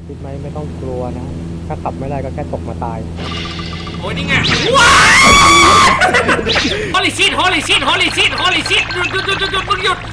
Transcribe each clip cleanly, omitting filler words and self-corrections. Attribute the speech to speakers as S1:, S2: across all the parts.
S1: คิดไหมไม่ต้องกลัวนะ ถ้าขับไม่ได้ก็แค่ตกมาตาย
S2: โอ้ยนี่ไงว้าวฮอลลีชิตฮอลลีชิตฮอลลีชิตฮอลลีชิตหยุดมึงหยุด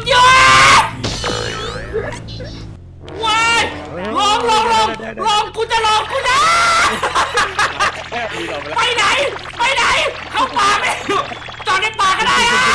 S2: ว้ายลองกูจะลองกูนะไปไหนเข้าป่าไปจอดในป่าก็ได้อะ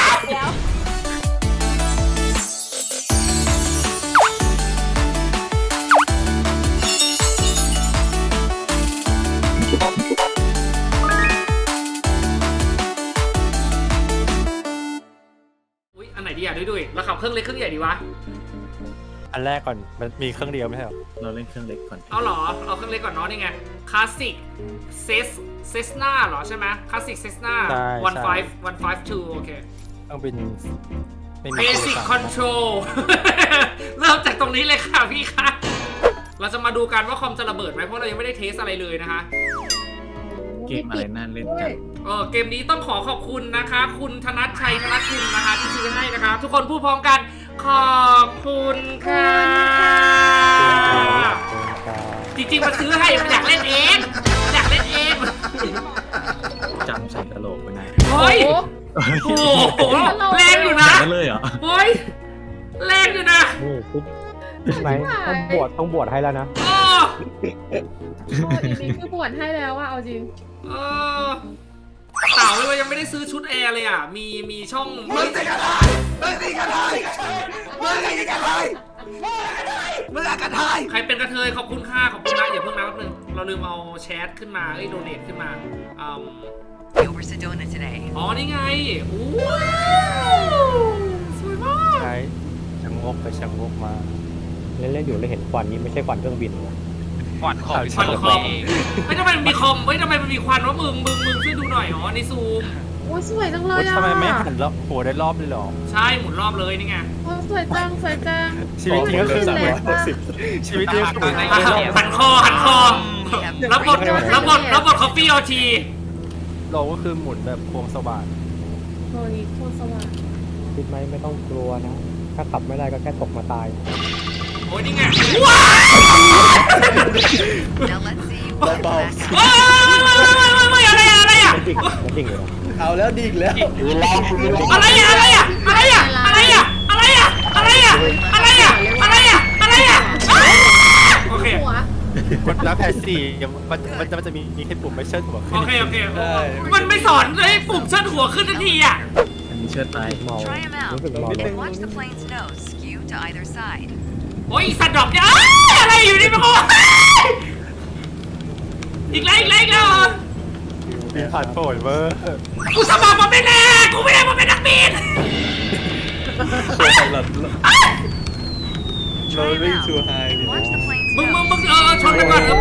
S2: อุ๊ยอันไหนดีอ่ะด้วยเราขับเครื่องเล็กเครื่องใหญ่ดีวะ
S1: อันแรกก่อนมันมีเครื่องเดียวไม่ใช่หรอ
S3: เราเล่นเครื่องเล็กก่อน
S2: เอาเหรอเอาเครื่องเล็กก่อนเนาะนี่ไงคลาสสิกเซสนาเหรอใช่ไหมคลาสสิกเซสนา152โอเค
S1: ต้องเป็นไม่มี
S2: Basic Control เริ่มจากตรงนี้เลยค่ะพี่คะเราจะมาดูกันว่าคอมจะระเบิดไหมเพราะเรายังไม่ได้เทสอะไรเลยนะคะ
S3: เกมอะไรน่าเล่นกัน
S2: เกมนี้ต้องขอขอบคุณนะคะ คุณธนัทชัยธนัทคุณนะคะที่ซื้อให้นะคะ ทุกคนพูดพร้อมกันขอบคุณค่ะจริงๆมาซื้อให้มันอยากเล่นเอง
S3: จำใส่กระโหลกไปไหน
S2: เฮ้ยโอ้โหแรงอยู่นะ
S3: นั่นเลยเหรอ
S2: เฮ้ยแรงอยู่นะ
S1: นี่คิดไหมต้องบวชให้แล้วนะ
S2: เออ
S4: อีกนิดคือบวชให้แล้วอะเอาจริง
S2: เออเต่าเลยยังไม่ได้ซื้อชุดแอร์เลยอ่ะมีช่องมึงสิกระไทยใครเป็นกระเทยขอบคุณค่ะขอบคุณนะอย่าเพิ่งนะแป๊บนึงเราลืมเอาแชทขึ้นมาโดเนทขึ้นมา
S5: Over Sedona today.
S2: อ๋อนี่ไงอู้สวยมาก
S1: ใช้ชังงกไปชังงกมา เล่นอยู่แล้วเห็นควันนี้ไม่ใช่ควันเครื่องบินนะ
S2: ควันคอมไม่ทำไมมันมีคอมทำไมมันมีควันวะมึงช่วยดูหน่อยอ๋อในซูม
S4: โอ้ยสวยจังเลยอะ
S1: ทำไมไม่หันแล้วโหได้รอบเลยหรอ
S2: ใช่หมุนรอบเลยนี่ไง
S4: โอ้ยสวยจัง
S1: ชีวิตจริงก็คือ ชีวิตจริงก็คือ
S2: หันคอรับบทคอฟฟี่เอาที
S1: เราก็คือหมุนแบบควงสว่าน
S4: โอ้ยโคตรสว่าง
S1: คิดไหมไม่ต้องกลัวนะ ถ้าขับไม่ได้ก็แค่ตกมาตาย
S2: โอ้ยนี่ไงว้าว
S5: Now let's see what the back
S2: ไม่อะไรอ่ะ
S1: มันดิ่งเลยเหรอ
S6: เอาแล้วดิ่งแล้ว
S2: อะไรอ่ะโอเค
S4: หัว
S1: กดแล้วแพสซี่มันจะมีแค่ปุ่มไม่เชิดหัวขึ้น
S2: โอเคมันไม่สอนเลยปุ่มเชิดหัวขึ้นทันทีอ่ะ
S3: อันนี้เชิดไป
S1: เมา
S5: Try 'em out
S1: รู้สึกเมาเลย
S5: and watch the plane's nose skew to either side.
S2: โอ้ยสัตว์ดอกเนี่ยอะไรอยู่นี่มันก็อีกแล้ว
S1: บินผ่านโผล่เวอร์
S2: กูสมัครมาเป็นแน่กูไม่ได้มาเป็นนักบิน
S3: เราวิ่งชูไฮ
S5: And watch the plane's
S2: มึง
S5: nose.
S2: ชนไปก่อนไป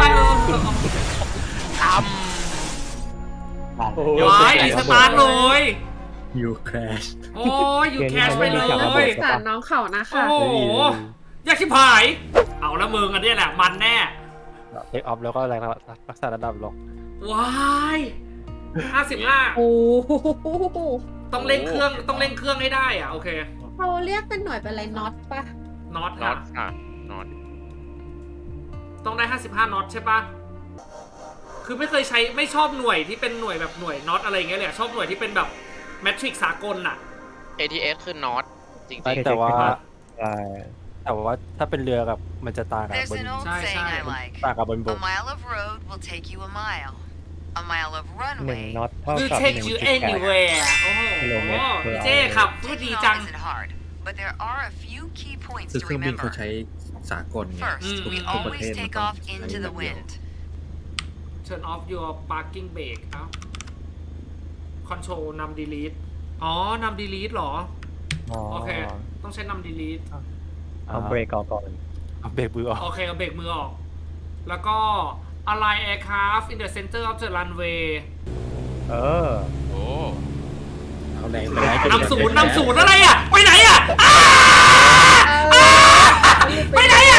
S2: ว้ายรีสตาร์ทเลย
S3: ยูแครช
S2: โอ้ยอยู่แคชไปเลย
S4: สารน้องเขานะ
S2: โอ้
S4: คะ
S2: โหยากชิบหาย เอาละมึงอันนี้แหละมันแน่
S1: เทคออฟแล้วก็แรงรักษาระดับลง
S2: ว้าย55
S4: โอ้โห
S2: ต้องเร่งเครื่องให้ได้อ่ะโอเค
S4: เขาเรียกเป็นหน่วยเป็นอะไรน็อตปะ
S2: น็อต
S7: น็อ
S2: ค่ะ
S7: ตค่ะน็อต
S2: ต้องได้55น็อตใช่ปะคือไม่เคยใช้ไม่ชอบหน่วยที่เป็นหน่วยแบบหน่วยน็อตอะไรอย่างเงี้ยเลยชอบหน่วยที่เป็นแบบแมทริกซ์สากลน่ะ
S7: ATS คือน็อตจริง
S1: แต่ว่าถ้าเป็นเรือกับมันจะต่างกับบ
S5: There's
S1: น
S5: an old
S2: Sai,
S5: saying
S2: sai.
S5: I like.
S1: ต่างกับบนบ
S5: A
S1: ก
S5: mile of road will take you a mile. A mile of
S1: หนึ่ง
S5: runway
S1: น็อตเท่า
S2: will
S1: กับ
S2: take you anywhere โอ้โห
S1: กิโลเมตร
S2: พี่เจ้ขับพูด
S5: taking
S2: ดี
S5: off
S2: จัง
S5: isn't hard, but there are a few key points
S3: คือ
S5: to
S3: เครื่องบินเขา
S5: remember.
S3: ใช้สากลไง
S5: First, we
S3: ทุกประเท
S5: always
S3: ศมัน
S5: take
S3: ต้อง
S5: off
S3: ใช้
S5: into
S3: แบ
S5: the
S3: บเดียว
S5: wind.
S2: turn off your parking brake เอ้า control นำ delete อ๋อนำ delete เหรอ โอเค ต้องใช้นำ delete
S1: เอาเบรกก่อนเอาเบรกมือออก
S2: โอเค เอาเบรกมือออก แล้วก็ align aircraft in the center of the runway
S1: เออ
S7: ๆ โอ้
S3: เอาแรงไปได้
S2: นำศูนย์อะไรอ่ะ ไปไหนอ่ะไปไหนอ่ะ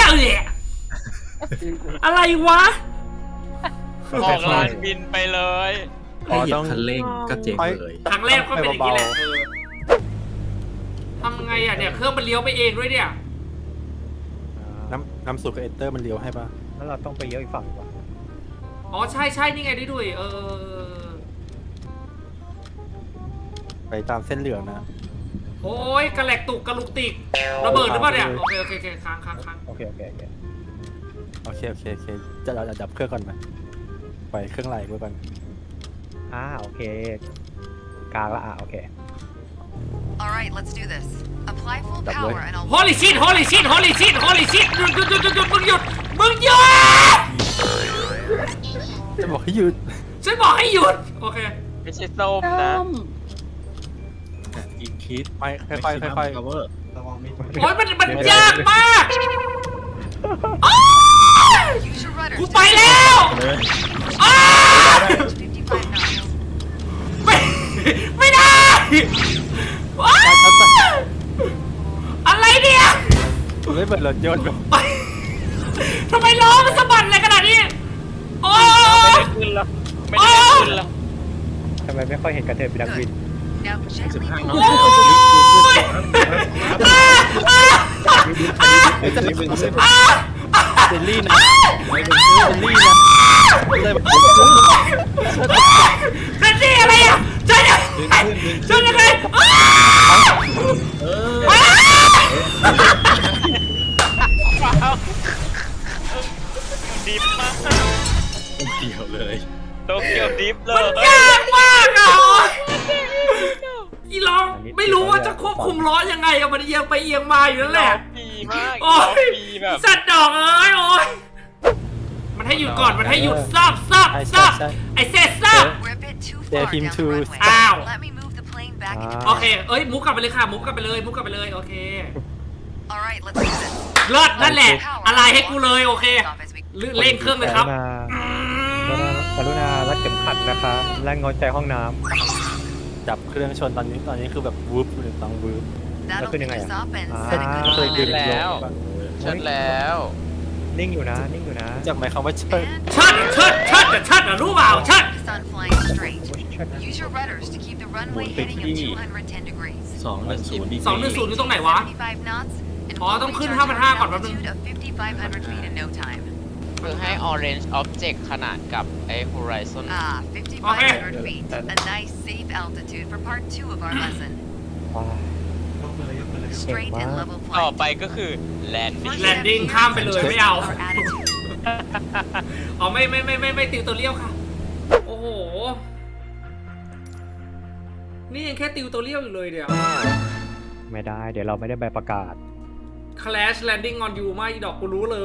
S2: อะไรวะ
S7: ออกลานบินไปเลย
S3: แค่เหยียบคันเร่งก็เจ๊งเลย
S2: ครั้งแรกก็เป็นอย่างนี้แหละทำไงอ่ะเนี่ยเครื่องมันเลี้ยวไปเองด้วยเนี่ย
S6: น้ำสูตรกับเอเตอร์มันเลี้ยวให้ป่ะ
S1: แล้วเราต้องไปเลี้ยวอีกฝั่งดีกว่า
S2: อ๋อใช่ใช่นี่ไงด้วย
S6: ไปตามเส้นเหลืองนะ
S2: โอ้ยกระแหลกตุกกระลุกติกระเบิดหรือเปล่าเนี่ยโอเคโอเคโอเคค้าง
S1: โอเค
S6: จะเราดับเครื่องก่อนไหมปล่อยเครื่องไหลไว้ก่อน
S1: โอเคกลางละโอเค
S5: All right, let's do this. Apply full power and I'll.
S2: ฮอลลี่ชิตหยุดมึงหยุด
S6: จะบอกให้หยุด
S2: ฉันบอกให้หยุดโอเค
S7: ไม่ใช่ส้มนะ
S3: อีกคิด
S6: ไปค่อยๆ
S3: cover
S2: โอ้ยมันยากมาก
S5: Use your rudders.
S2: กูไปแล้ว
S3: เลย
S2: อ้า
S5: 55 knots.
S2: ไม่ได้ว้าวอะไรเนี่ย
S6: ไม่เปิดรถยนต์แบบ
S2: ทำไมล้อมันสะบัดอะไรขนาดนี้โอ้
S7: ไม่ได้ขึ้นแล้วไม่ได้ขึ้นแล้ว
S1: ทำไมไม่ค่อยเห็นกระเทยเป็นนักบิน
S5: Now gently
S3: 15
S5: pull
S3: เนาะ
S6: เจลลี่นะเลยแบบ
S2: เป็นที่อะไรอ่ะจะยังไง
S7: ดิฟมาก
S3: เดียวเลย
S7: โตเกียวดิฟเล
S2: มัน
S7: ย
S2: ยากมากอ่ะอีล้อไม่รู้ว่าจะควบคุมล้อยังไงอะมันเอียงไปเอียงมาอยู่นั่นแหละ
S7: ปีมาก
S2: โอ้ย
S7: ปีแบบ
S2: สัตว์ดอกเอ้ยโอ้ยมันให้หยุดก่อนมันให้หยุดซับไอเซตซับ
S5: We're a bit too far down the runway.
S2: Ow.
S5: Let me move the plane back into
S2: โอเค
S5: position.
S2: เอ้ยมุกกลับไปเลยค่ะมุกกลับไปเลยโอเค
S5: All right, let's do this.
S2: เลิศนั่นแหละ อะไรให้กูเลยโอเค
S5: Off as we
S2: เร่งเครื่องเลยครับ
S1: กรุณารัดเข็มขัดนะคะและงดใจห้องน้
S6: จับเครื่องชนตอนนี้คือแบบวูบเลยต้องวูบ
S5: that'll
S1: That's
S5: pick
S1: good
S5: us up and
S1: Ah.
S5: set a good
S6: เคย
S5: climb
S6: ดึ
S5: out.
S6: ง
S7: แล้ว เชิญแล้ว
S1: ำนิ่งอยู่นะ
S6: จากไหมคำว่าเชิด
S5: And
S2: เชิดอะรู้เปล่าเชิด
S5: focus on flying straight.
S1: เชิด
S5: Use your rudders to keep the runway
S3: Move
S5: heading
S3: the
S5: of
S3: key.
S5: 210 degrees.
S3: 210ดี
S2: 210อยู่ตรงไหนวะ
S5: 75 knots and
S2: อ๋อต้องขึ้น
S5: we'll reach our
S2: 5,500ก่อนแป๊บนึง
S5: altitude of 5,500 feet in no time.
S7: คือให้ orange object ขนาดกับไอ้ horizon
S5: Ah, 5,500 feet. A nice safe altitude for part 2 of our lesson.
S1: ว้าว
S5: Straight and level
S7: ต่อ
S5: flight.
S7: ไปก็คือ landing
S5: First
S2: Landing
S5: step
S2: ข้ามไปเลย
S5: here is
S2: ไม่เอา
S5: our attitude.
S2: อ๋อไม่ติวตัวเลี้ยวค่ะ โอ้โห นี่ยังแค่ติวตัวเลี้ยวอยู่เลยเดี๋ยว
S1: ไม่ได้ เดี๋ยวเราไม่ได้ใบประกาศ
S2: Crash landing on you ไม่ดอกกูรู้เลย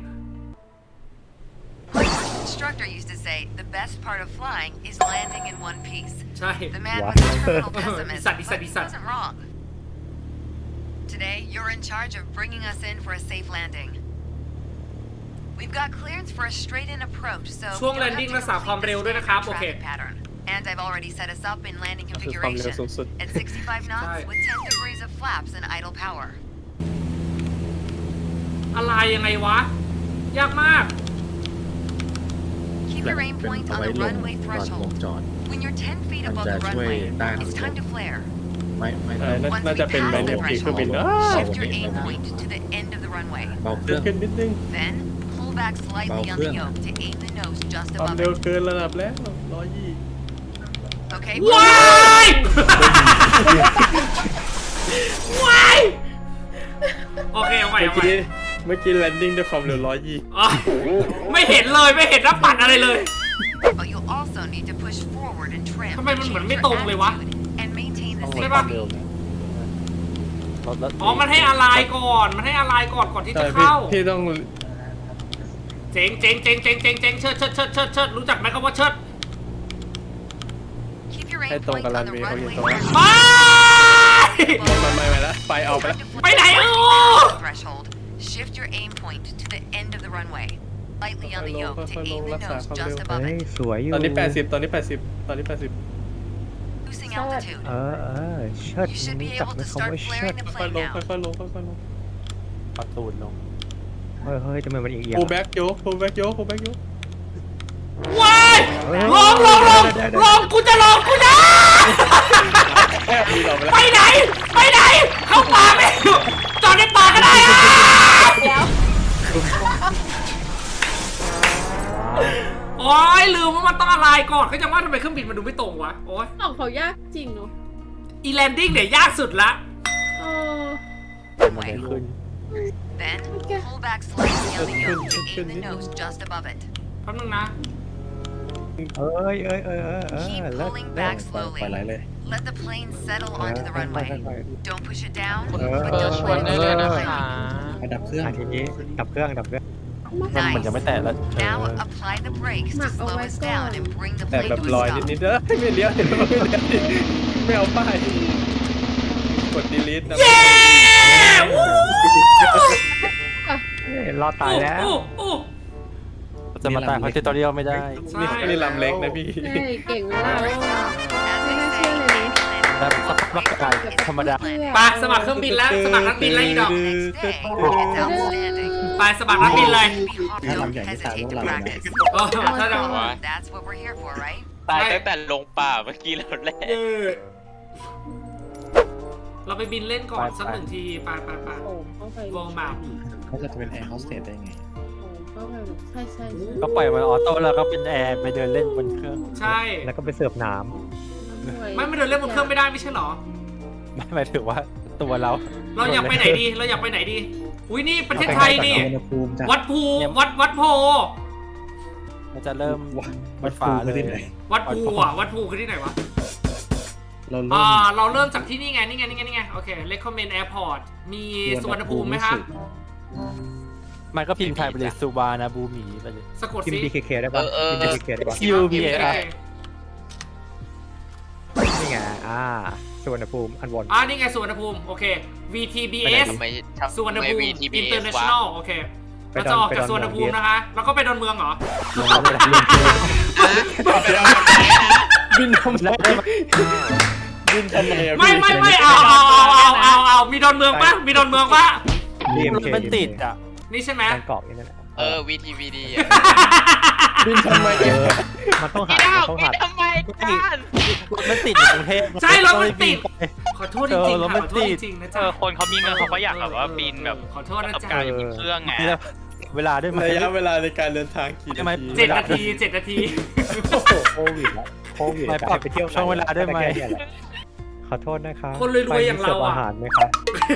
S5: My first instructor used to say the best part of flying is landing in one piece.
S2: ใช่
S5: The man
S1: What?
S5: was a terminal pessimist,
S2: Isat.
S5: but he wasn't wrong. Today, you're in charge of bringing us in for a safe landing. We've got clearance for a straight-in approach, so
S2: ช่วง
S5: you'll have
S2: landing
S5: to
S2: รักษาความ
S5: complete
S2: เร็ว
S5: the
S2: ด้วยนะครับ
S5: standard
S2: โอเค
S5: traffic pattern. And I've already set us up in landing
S6: คือความเร็ว
S5: configuration
S6: สูงสุด
S5: at 65 knots
S2: Right.
S5: with 10 degrees of flaps and idle power.
S2: อะไรยังไงวะ ยากมาก
S5: Keep your aim
S3: เป็น
S5: point
S3: เอา
S5: on
S3: ไว้
S5: the
S3: ลง
S5: runway
S3: ก่อนลง
S5: threshold.
S3: จอด
S5: When you're 10 feet
S3: มัน
S5: above
S3: จะ
S5: the
S3: ช่วย
S5: runway,
S3: ต้าน
S5: it's time to flare.
S3: ไม่
S5: Once
S8: น่า
S5: we
S8: จะเป็น
S5: pass
S8: แมน
S5: the
S8: นกขี่เครื่องบิน
S5: threshold,
S8: นะ
S5: shift your aim point to the end of the runway.
S3: เบาเครื่อง
S8: ขึ้นนิดนึง
S5: Then, pull back slightly on the
S3: Bawang.
S5: yoke to aim the nose just
S8: ความ
S5: above
S8: เร็ว
S5: it.
S8: เกินระดับแล้ว120
S5: Okay,
S2: ว้ายว้ายโอเคเอาใหม่
S8: เมื่อ
S2: เอาใหม่
S8: กี้เมื่อกี้แลนดิ้งด้วยความเร็ว120
S2: อ๋อไม่เห็นเลยไม่เห็นรับปัดอะไรเลย
S5: but you'll also need to push forward and trim.
S2: ทำไมมันเหมือน
S5: change
S2: ไม่
S5: your
S2: ตรงเลยวะ
S5: attitude, and maintain the
S6: ต้อง
S5: same
S6: ลดความเร็วนะรถ
S2: อ๋อ มันให้อะไรก่อน มันให้อะไรก่อนที่
S8: ใช่
S2: จะ
S8: พี่
S2: เข้า
S8: พี่ต้อง
S2: เจ๋งเชิดรู้จักไหมคำว่าเชิด
S5: Keep your
S8: ให้
S5: aim
S8: ตรง
S5: point
S8: กับรั
S5: on
S8: น
S5: the
S8: เวย์เขาอยู่
S5: runway
S8: ตรงนั้น
S5: threshold.
S8: ไม่แล้วไฟออกไปแล้ว
S2: ไปไหนเออ
S5: Threshold. Shift your aim point to the end of the runway. Lightly on the yoke to aim the nose just above
S1: เฮ้ย
S5: it.
S1: สวยอยู่
S8: ตอนนี้80ตอนนี้80
S5: Losing altitude.
S1: เชิด
S5: You should be
S1: รู้จัก
S5: able
S1: ไหม
S5: to
S1: คำว่า
S5: start
S1: เชิ
S5: flaring
S1: ด
S5: the
S8: ค่อย
S5: plane
S8: ลง
S5: now.
S8: ค่อยลง
S6: ประตูลง
S1: เฮ้ยทำไมมันเอียง
S8: โคแบ็กโยกโคแบ็กโยก
S2: ว้ายลงกูจะ
S8: มีเราไปแล้ว
S2: ไปไหน เข้าป่าไม่จอดในป่าก็ได้อะ
S4: เดี๋ยว
S2: โอ้ยลืมว่ามันต้องอะไรก่อนก็จะว่าทำไมเครื่องบินมันดูไม่ตรงวะโอ้ย
S4: ของเขายากจริงเนาะ
S2: อีแลนดิ้งเนี่ยยากสุดละ
S4: เออ
S1: มันเลยขึ้น
S5: Then,
S4: Okay.
S5: pull back slightly on the yoke to aim the nose just above it.
S2: แป๊บนึงนะ
S1: เอ้ย
S5: Keep
S1: เลิก
S5: pulling
S1: เลิก
S5: back
S8: ปล่อยไหล
S5: slowly.
S8: เลย
S5: Let the plane settle onto the
S1: ค่อย
S5: runway.
S1: ๆ
S5: Don't push it down,
S7: คุณ
S5: but
S7: เฟิร์
S5: don't
S7: ชวน
S5: let
S7: ได้
S5: it
S7: เลยนะ
S5: slip.
S7: คะ
S8: ไปดับเครื่อง
S1: ทีนี้ดับเครื่อง
S6: มันเหมือนจะไม่แตะแล้ว
S5: Now apply the brakes to slow us down and bring the
S8: แต่
S5: plane
S8: แบบ
S5: to
S8: ลอย
S5: a stop.
S8: นิดๆเด้อไม่เลี้ยวไม่เอาป้ายกด delete นะ
S1: รอดตายแล้ว
S2: โอ้
S6: จะมาตายเพราะเทตอเรียลไม่ได้
S8: นี่ลำเล็กนะพี่
S4: ใช่เก่งเวลา
S5: As
S4: May
S5: they
S4: I
S5: say,
S4: say
S5: any
S4: it?
S5: planet
S6: แล้วสักพักก็กลายเป็นธรรมดา
S4: เพื่อ
S2: ไปสมัครเครื่องบินแล้วสมัครนักบินแล้วอีดอก
S5: next day, it's outstanding.
S2: ไปสมัครนักบินเลย
S5: Don't hesitate to practice.
S2: โอ้ถ้าเรา
S5: That's what we're here for, right?
S7: ตายตั้งแต่ลงป่าเมื่อกี้แล้วแหละ
S2: เราไปบินเล่นก่อนสักหนึ่งทีไป
S4: โอ้เข้าไป
S2: วงแบบ
S8: เขาจะเป็นแอร์โฮสเตสได้ไง
S4: โอ้เข้าไปใช่ใช่
S6: ก็ปล่อยมันออโต้แล้วก็เป็นแอร์ไปเดินเล่นบนเครื่อง
S2: ใช่
S1: แล้วก็ไปเสิร์ฟน้
S2: ไม่เดินเล่นบนเครื่องไม่ได้ไม่ใช่หรอ
S6: ไม่หมายถึงว่าตัวเรา
S2: เราอยากไปไหนดีอุ้ยนี่ประเทศไทยนี่
S8: อุณหภูมิจาก
S2: วัดภูวัดโพ
S6: มันจะเริ่มบนฟ้าเลย
S2: วัดภูอ่ะวัดภูคือที่ไหนวะ
S8: เราเริ่ม
S2: เราเริ่มจากที่นี่ไงนี่ไงโอเค recommend airport มีสุวรรณภูมิไหมคะ
S6: มันก็พิมพ์ไทยไปเลยซูบานาบูหมีไปเลย
S2: สะกด
S1: ำพิม
S2: สิ
S1: พ์ BKK ได้ปะพิมพ์ BKK ได้ปะ
S6: UBA
S1: นี่ไงสุวรรณภูมิอันวน
S2: นี่ไงสุวรรณภูมิโอเค VTBS
S7: ทำไม
S2: สุวรรณภูมิ
S7: VTBS
S2: International โอเคเราจะออกจากสุวรรณภูมินะคะแล้วก็ไปดอนเมืองเหรอ
S8: บินทำไมบินทำไมอะ
S2: ไม่เอามีดอนเมืองปะ
S1: BMK
S6: มันติดอ่ะ
S2: นี่ใช่ไหม
S1: บางกอกนี่นั่นแหละ
S7: VTVD
S8: บินทำไมอะ
S1: มันต้องหา
S7: พี่ดาว
S1: ต้อง
S7: พี่
S1: หา
S7: ทำไมกัน
S6: มันติดอยู่กรุงเทพ
S2: ใช่รถมันติด ขอโทษจริงๆ
S6: รถ
S2: ค่ะ
S6: มั
S2: ข
S6: น
S2: อโท
S6: ติ
S2: ษ
S6: ด
S2: จริงๆนะจ๊ะ
S9: คนเขามีเงินเขาก็อยากแบบว่าบินแบบ
S2: ขอโทษนะ
S9: กับ
S2: จ๊ะ
S9: การอยู่เครื่องไง
S6: เวลาด้วยไหม
S8: ระยะเวลาในการเดินทางกี่
S6: ใช่ไหม
S8: นาที
S2: 7 นาที
S1: โอ้โหโควิดแล้วโควิด
S6: ไม่
S1: จะ
S6: ปรับ
S1: ไปเที่ยว
S6: ช่วงเวลาได้ไหม
S1: ขอโทษนะคะ
S2: คนรวยๆอย่างเราอะ
S1: ไปมีสิฟอาหารไหมคะ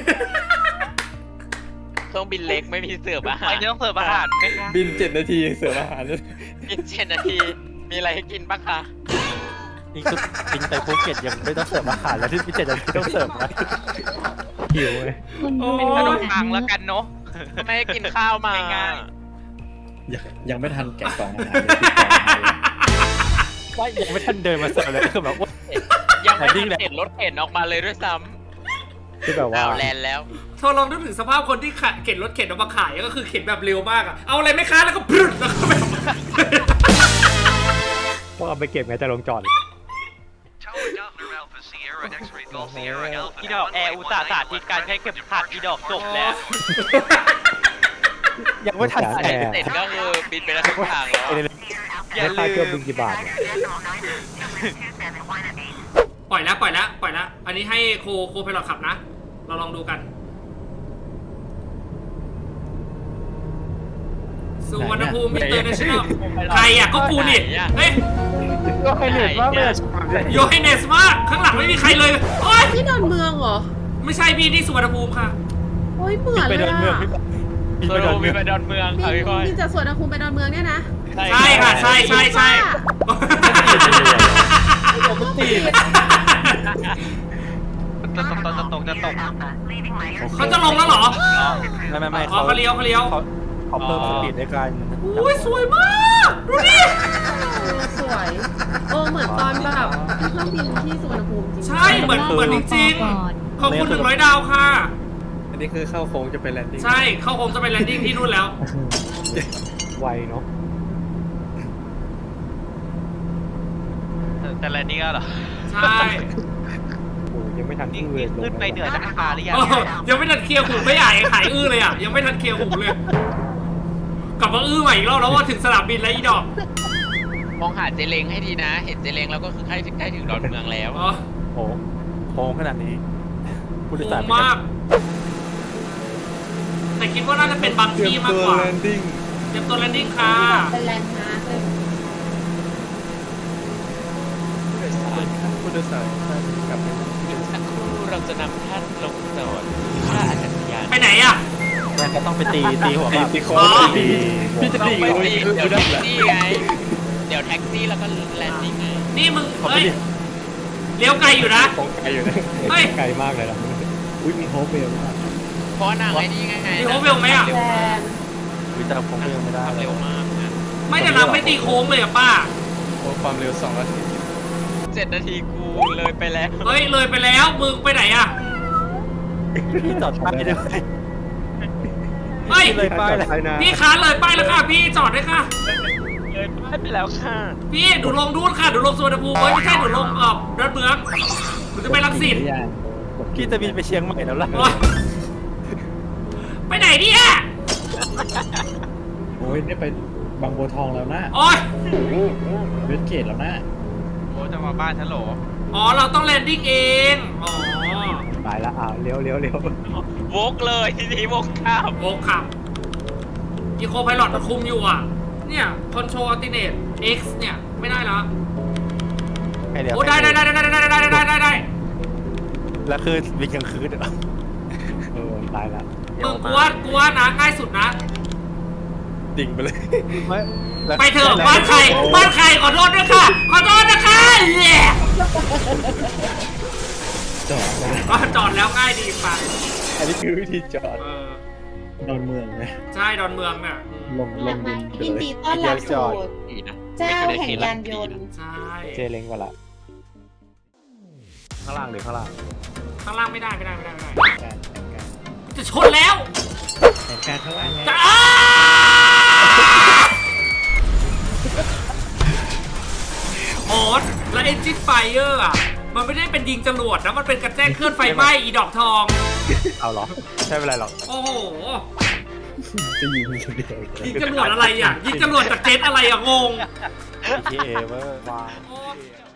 S7: เครื่องบินเล็กไม่มีเสิร์ฟอาหา
S9: ไป
S7: ร
S9: ต้องเสิร์ฟอาหารไหมคะ
S8: บิน7 นาทีเสิร์ฟอาหารเลย
S7: บิน7 นาที มีอะไรให้กินบ้างคะ
S6: นี่คือบินไปภูเก็ตยังไม่ต้องเสิร์ฟอาหารแล้วที่พิเศษจะต้องเสิร์ฟนะ
S1: หิวเลย
S2: โอ้
S9: เป็นขนม
S2: ย
S9: ปังแล้วกันเนาะ
S7: ไม่ให้กินข้าวมา
S9: ง่าย
S8: ยังไม่ทันแกะกล่องอาหารเลยปิดกล่องอาหารเลย
S6: ว่ายังไม่ทันเดินมาเสิร์ฟเลยคือแบบว่า
S7: ยังไม่ทันเห็นรถเข็นออกมาเลยด้วยซ้
S1: คือแบบ
S7: ำ
S1: ว่า
S7: เอาแลนด์แล้ว
S2: เธอลองนึกถึงสภาพคนที่เข็นรถเข็นออกมาขายก็คือเข็นแบบเร็วมากอะเอาอะไรไหมคะแล้วก็พรึดแล้วก็แบบ
S1: พวกเอาไปเก็บไงจะลงจอด
S9: อีดอกแอร์อุตสาห์สาธิตการใช้เข็มขัดอีดอกจบแล้ว
S6: ยังไม่ทัน
S1: แอ
S6: แตะ
S1: ร์
S7: เสร็จก็คือบินไปแล้วทุกทางแล้ว
S9: อย่า
S1: ค่า
S9: ลื
S1: เที่ยว
S9: ม
S1: บินกี่บาทเนี่ย
S2: ปล่อยแล้ว อันนี้ให้โคไพลอตขับนะ เราลองดูกันสุวรรณภูมิ International ใครอ่ะก็กูนี่เฮ้ย
S6: ก็ให้เหนื่อยมากเลย
S2: โยให้เนสมากข้างหลังไม่มีใครเลยโอ๊ย
S4: ที่ดอนเมืองเหรอ
S2: ไม่ใช่พี่นี่สุวรรณภูมิค่ะ
S4: โอ้ยเหมือน
S6: ไป
S4: เล
S6: เดิ
S4: ย
S6: นเมือง
S4: อะ
S6: พี่
S9: โซโลมีไปดอนเมืองค่ะพี่ก้อย
S4: บินจากสวนภูมิไปดอนเมืองเนี่ยนะ
S2: ใช่ค่ะใช่
S6: มันติด
S9: จะตก
S2: เขาจะลงแล้วเหรอ
S6: ไม่
S2: อ๋อเขาเลี้ยว
S6: เขาเพิ่มสปีดด้วยกัน
S2: อุ้ยสวยมากดูดิ
S4: สวยเหมือนตอนแบบที่เครื่องบินที่สุวรรณภูมิจริง
S2: ใช่เหมือนจริงๆขอบคุณ100 ดาวค่ะ
S8: อันนี้คือเข้าโค้งจะไปแลนดิ้ง
S2: ใช่เขาคงจะไปแลนดิ้งที่นู่นแล้ว
S1: ไวเนาะ
S9: แต่ละนี่ก็เหรอ
S2: ใช่
S1: โอ้ยังไม่ทัน
S9: นี่
S1: เลย
S9: ขึ้นไปเหนือจากคาหรือยัง
S2: โอ้ยังไม่ทันเคลียร์หูไม่ใหญ่หายอื้อเลยอ่ะยังไม่ทันเคลียร์หูเลยกลับมาอื้อใหม่อีกรอบแล้วว่าถึงสนามบินแล้วอีดอก
S7: มองหาเจเลงให้ดีนะ เห็นเจเลงแล้วก็คือใกล้ถึงดอนเมืองแล้ว
S2: อ๋อ
S6: โค้งขนาดนี้ผู้โดย
S2: โห
S6: สาร
S2: มากแต่คิดว่าน่าจะเป็นบางที่มากกว่า
S8: แลนดิ้ง
S2: เตรียมตัวแลนดิ้งค่ะ
S4: เป็นแลนด์มาร์คเลย
S8: ผู้โดยสารท่านกลับไป
S7: อีกสักครู่เราจะนำท่านลงจอดท่าอากาศยาน
S2: ไปไหนอ่ะ
S6: แม่งก็ต้องไปตีหัว
S8: ตีโค้
S2: อ๋
S8: ง
S2: อ
S8: ตีพี่จะ
S7: ต้อง
S8: ตี
S7: ไป
S8: โค้ง
S7: ตี
S8: คือ
S7: เดี๋ยว
S8: ได้
S7: แท็ก
S8: แหละ
S7: ซี่ไง เดี๋ยวแท็กซี่แล้วก็แลนดิ้งไง
S2: นี่มึงเอ้ยเลี้ยวไกลอยู่นะ
S8: ตรงไกลอยู่นะ
S2: เฮ้ย
S1: ไกลมากเลยนะอุ้ยมีโฮปเวลด้วย
S7: เพราะนางไอ้นี่ไง
S2: มีโฮปเวลไหมอะ
S7: เร็ว
S4: แล
S7: มาก
S4: นด์
S6: วิจารณ์ผมก็ยังไม่ได้
S7: ขับ
S6: เล
S7: เร็
S6: ยว
S7: มากนะ
S2: ไม่แต่เราไม่ตีโค้งเลยอะป้า
S8: โอ้ความเร็ว2 นาที
S7: 7 นาทีกูเลยไปแล้ว
S2: เฮ้ยเลยไปแล้วมึงไปไหนอะ
S6: พี่จอดป้ายด้วย
S2: เฮ้ย
S6: เลยป้ายเลย
S2: พี่ค้าเลยป้ายแล้วค่ะพี่จอดด้วยค่ะ
S9: เลยป้ายไปแล้วค่ะ
S2: พี่หนูลงดูนค่ะหนูลงสุวรรณภูมิเฮ้ยไม่ใช่หนูลงดอนเมืองหนูจะไปรังสิต
S6: พี่จะบินไปเชียงใหม่แล้วล่ะ
S2: โอ๊ยไปไหนเนี่ย
S10: โอ้ยนี่ไปบางบัวทองแล้วนะ
S2: โอ๊ย
S10: เวสเกตแล้วนะ
S9: โอ้จะมาบ้านฉันเหรอ
S2: อ๋อเราต้องแลนดิ้งเองอ๋อ
S1: ไปละเลี้ยว
S9: วกเลยทีนี้วกข้าม
S2: โอ้ขับอีโคไพลอตมันคุมอยู่อ่ะเนี่ยคอนโทรลอัลติเนต X เนี่ยไม่ได้แล้ว
S6: ให้เดี๋ยว
S2: โอ้ได้ได้
S6: แล้วคือบินกลางคืนเหรอ
S1: ตายละ
S2: มึงกูว่านะง่ายสุดนะ
S8: ดิ่งไปเลย
S6: ไม่แล้ว
S2: ไปเถอะบ้านใครขอโทษด้วยค่ะ ขอโทษนะคะเย่
S10: จอดเลย
S2: จอดแล้วง่ายดีปัง
S8: อันนี้คือวิธีจอด
S10: ดอนเมืองเลย
S2: ใช่ดอนเมืองเนี่ย
S10: ลงดินไป
S4: ยิน
S10: เลย
S4: ดีต้อนรับสู่
S7: ดีนะ
S4: เจ้าแห่งยานยนต์
S2: ใช่
S1: เจเล้งกว่าละข้างล่างหรือข้างล่าง
S2: ข้างล่างไม่ได้
S10: การ
S2: จะชนแล้ว
S10: แผนการข้างล่างไง
S2: จะโอ๊ตแล้วเอนจินไฟเออร์อ่ะมันไม่ได้เป็นยิงจรวดนะมันเป็นกระแจ้งเคลื่อนไฟไหม้อีดอกทอง
S6: เอาเหรอใช่เป็นไรหรอก
S2: โอ้โห
S10: จะยิงคนเดียว
S2: ยิงจรวดอะไรอ่ะยิงจรวดจากเจ็ตอะไรอ่ะงง
S6: GTA เวอร์ว้าว
S2: โอ้